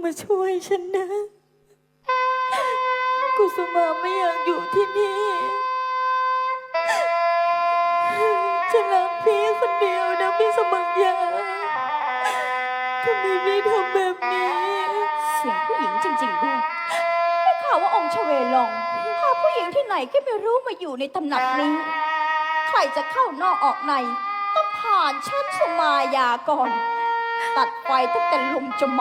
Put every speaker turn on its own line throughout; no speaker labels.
มาช่วยฉันนะกุสุมาไม่อยากอยู่ที่นี่ฉันรักพี่คนเดียวนะพี่สมังยาทำไมพี่ทำแบบนี้
เสียงผู้หญิงจริงๆด้วยได้ข่าวว่าองค์ชเวลองพาผู้หญิงที่ไหนก็ไม่รู้มาอยู่ในตำหนักนี้ ใครจะเข้านอกออกในต้องผ่านชั้นสุมายาก่อน ตัดไฟตั้งแต่ลมจะมา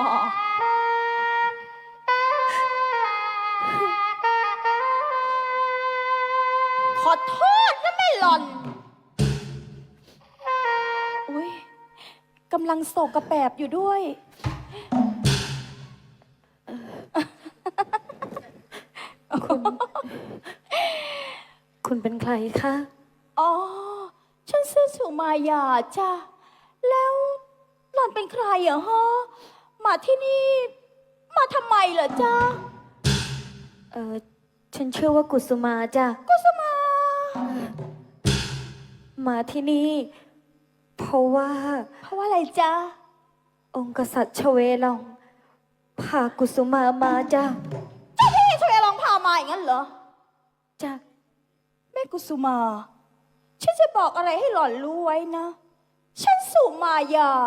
ขอโทษนะแม่หล่อน อุ้ยกำลังโศกกระแปบอยู่ด้วย
คุณเป็นใครคะ
อ๋อ ฉันชื่อสุมายาจ้ะ แล้วหล่อนเป็นใครเหรอฮะ มาที่นี่ มาทำไมเหรอจ๊ะ
ฉันชื่อว่ากุสุมาจ้ะ
กุสุมา
มาที่นี่ เพราะว่า
เพราะว่าอะไรจ๊ะ
องค์กษัตริย์ชเวลองพากุสุมามาจ้ะ
เจ้าพี่ช่วยลองพามาอย่างนั้นเหรอ
จ้ะ
แม่กุสุมา ฉันจะบอกอะไรให้หล่อนรู้ไว้นะ ฉันสุมายา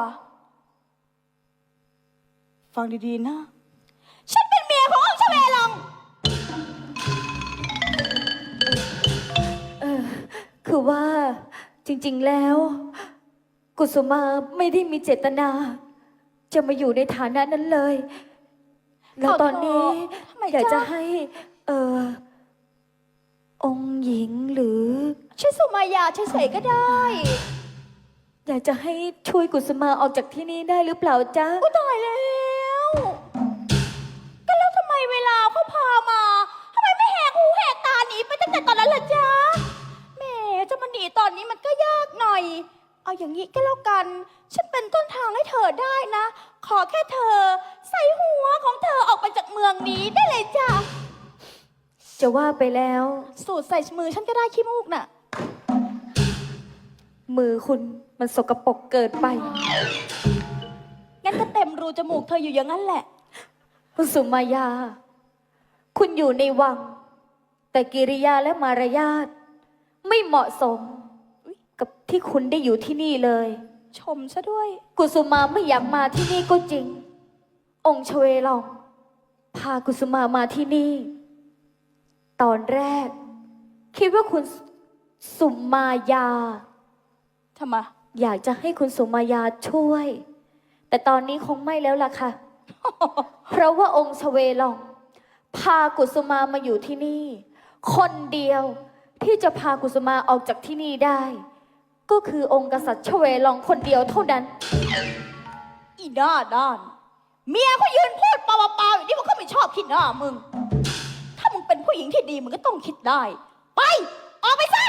ฟังดีๆนะ ฉันเป็นเมียขององค์ชเวลอง
คือว่าจริงๆแล้ว กุสุมาไม่ได้มีเจตนา จะมาอยู่ในฐานะนั้นเลย แล้วตอนนี้
ทำไม
อยาก
จ๊ะ
จะให้องค์หญิงหรือ
ฉันสุมายาเฉยๆก็ได้
อยากจะให้ช่วยกุสุมาออกจากที่นี่ได้หรือเปล่าจ๊ะ
อุ๊ยตายแล้วก็แล้วทำไมเวลาเขาพามาทำไมไม่แหกหูแหกตาหนีไปตั้งแต่ตอนนั้นล่ะจ๊ะแหมจะมาหนีตอนนี้มันก็ยากหน่อย เอาอย่างนี้ก็แล้วกัน ฉันเป็นต้นทางให้เธอได้นะ ขอแค่เธอใส่หัวของเธอออกไปจากเมืองนี้ได้เลยจ้ะ
จะว่าไปแล้ว
สูดใส่มือฉันก็ได้ขี้มูกน่ะ
มือคุณมันสกปรกเกินไป
งั้นก็เต็มรูจมูกเธออยู่อย่างนั้นแหละ
คุณสุมายา คุณอยู่ในวัง แต่กิริยาและมารยาทไม่เหมาะสมกับที่คุณได้อยู่ที่นี่เลย
ชมซะด้วย
กุสุมาไม่อยากมาที่นี่ก็จริง องค์ชเวลองพากุสุมามาที่นี่ ตอนแรก คิดว่าคุณสุมายา
ทำไม
อยากจะให้คุณสุมายาช่วย แต่ตอนนี้คงไม่แล้วล่ะค่ะ เพราะว่าองค์ชเวลองพากุสุมามาอยู่ที่นี่ คนเดียวที่จะพากุสุมาออกจากที่นี่ได้ ก็คือองค์กษัตริย์ชเวลองคนเดียวเท่านั้น
อีหน้าด้าน เมียเขายืนพูดเปล่าๆอย่างนี้มันก็ไม่ชอบคิดหน้ามึง ถ้ามึงเป็นผู้หญิงที่ดีมึงก็ต้องคิดได้ ไป ออกไปซะ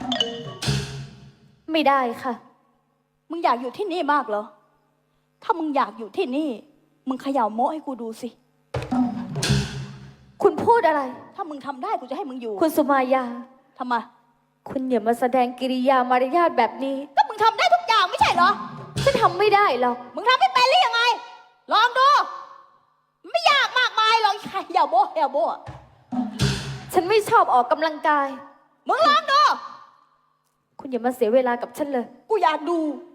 ไม่ได้ค่ะ
มึงอยากอยู่ที่นี่มากเหรอ ถ้ามึงอยากอยู่ที่นี่ มึงเขย่าโม้ให้กูดูสิ
คุณพูดอะไร
ถ้ามึงทำได้กูจะให้มึงอยู่
คุณสุมายา
ทำไม
คุณอย่ามาแสดงกิริยามารยาทแบบนี้
ก็มึงทำได้ทุกอย่างไม่ใช่เหรอ
ฉันทำไม่ได้หรอก
มึงทำไม่เป็นหรือยังไง ลองดู ไม่ยากมากมายหรอกเขย่าโม้เขย่าโม้อะ
ฉันไม่ชอบออกกำลังกาย
มึงลองดู
คุณอย่ามาเสียเวลากับฉันเลย
กูอยากดู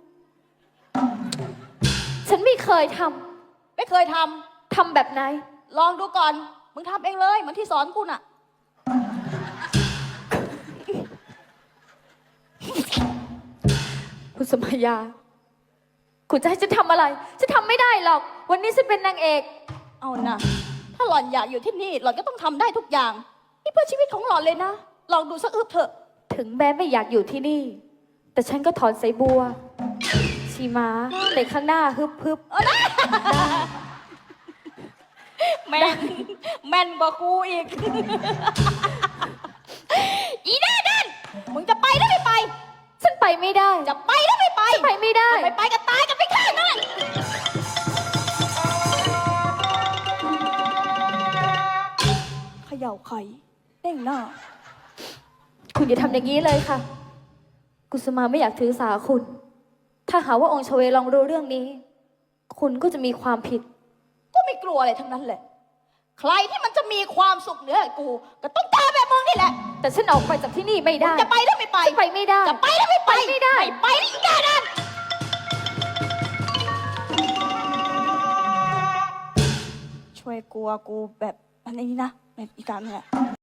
ฉันไม่เคยท
ไม่เคยท
ำ ทำแบบไหน
ำ ลองดูก่อน มึงทำเองเลยเหมือนที่สอนกูน่ะ
คุณสมัยยา คุณจะให้ฉันทำอะไร ฉันทำไม่ได้หรอก วันนี้ฉันเป็นนางเอก
เอานะถ้าหล่อนอยากอยู่ที่นี่ หล่อนก็ต้องทำได้ทุกอย่าง นี่เพื่อชีวิตของหล่อนเลยนะ ลองดูสักอึบเถอะ
ถึงแม้ไม่อยากอยู่ที่นี่ แต่ฉันก็ถอนสายบัว ชีม้าในข้างหน้าฮึบฮึบ
แม่นแม่นกว่ากูอีก อีหน้าด้านมึงจะไปหรือไม่ไป
ฉันไปไม่ได้
จะไปหรือไม่ไป
ฉันไปไม่ได้
ถ้าไม่ไปก็ตายกันไปข้างนั่นแหละเขย่าไข่เด้งหน้า
คุณอย่าทำอย่างนี้เลยค่ะ กุสุมาไม่อยากถือสาคุณ ถ้าหาว่าองค์ชเวลองรู้เรื่องนี้ คุณก็จะมีความผิด
กูมีกลัวอะไรทั้งนั้นแหละใครที่มันจะมีความสุขเหนือกู ก็ต้องตามแบบมึงนี่แหละ
แต่ฉันออกไปจากที่นี่ไม่ได้
จะไปหรือไม่ไป
ฉันไปไม่ได้
จะไปหรือไม่ไป
ไม่ได้
ไม่ไปนี่แกนั่นช่วยกลัวกูแบบอันนี้นะแบบอีกการเนี่ย